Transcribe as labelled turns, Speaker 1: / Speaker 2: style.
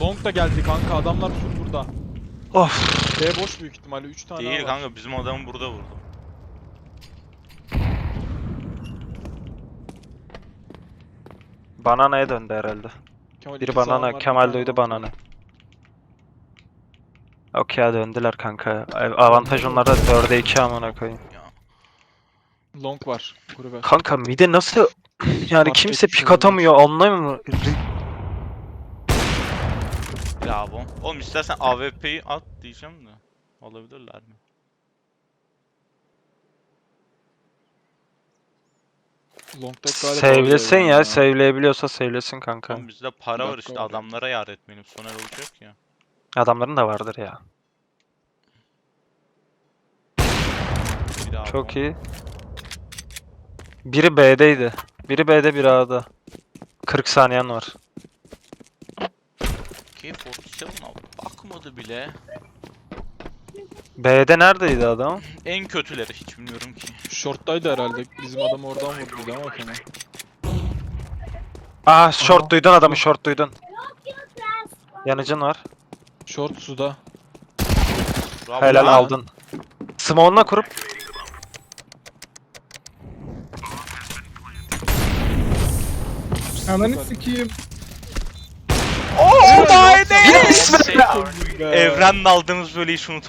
Speaker 1: Long da geldi kanka, adamlar full burada.
Speaker 2: Of.
Speaker 1: B boş büyük ihtimalle, 3 tane
Speaker 3: Değil
Speaker 1: var.
Speaker 3: kanka, bizim adamı burada vurdu.
Speaker 2: Banana'ya döndü herhalde.
Speaker 1: Kemal,
Speaker 2: Biri
Speaker 1: iki sağım
Speaker 2: banana,
Speaker 1: var, bir
Speaker 2: Kemal
Speaker 1: tane
Speaker 2: duydu
Speaker 1: long var.
Speaker 2: banana. Okey ya, döndüler kanka. Avantaj onlarda 4'e 2 amına koyayım.
Speaker 1: Long var kulübe.
Speaker 2: Kanka mide nasıl yani
Speaker 1: Fark
Speaker 2: kimse
Speaker 1: etmiş
Speaker 2: pik
Speaker 1: olabilir.
Speaker 2: atamıyor, anlamıyor mu?
Speaker 3: Bravo. Oğlum istersen AWP'yi at diyeceğim de. Olabilirler mi?
Speaker 1: Long'da galiba
Speaker 2: Save'lesin
Speaker 1: oluyor
Speaker 2: ya,
Speaker 1: yani.
Speaker 2: save'leyebiliyorsa save'lesin kanka.
Speaker 3: Oğlum bizde para var
Speaker 1: Dakika
Speaker 3: işte,
Speaker 1: var.
Speaker 3: adamlara yar etmeyelim, sonra olacak ya.
Speaker 2: Adamların da vardır ya.
Speaker 3: Bravo.
Speaker 2: Çok iyi. Biri B'deydi. Biri B'de, biri A'da. 40 saniyen var.
Speaker 3: K47'a bakmadı bile.
Speaker 2: B'de neredeydi adam?
Speaker 3: En kötüleri hiç bilmiyorum ki.
Speaker 1: Short'taydı herhalde. Bizim adam oradan vurdu ama Kemal.
Speaker 2: Aa, short
Speaker 1: Aha.
Speaker 2: duydun adamı, short duydun. Yanıcın var.
Speaker 1: Short suda.
Speaker 3: Bravo
Speaker 2: Helal,
Speaker 3: lan.
Speaker 2: aldın. Smoke'una kurup
Speaker 4: Ananı sikeyim.
Speaker 3: Oh my
Speaker 2: Yes be!
Speaker 3: Evren'le aldığımız böyle iş unutamam.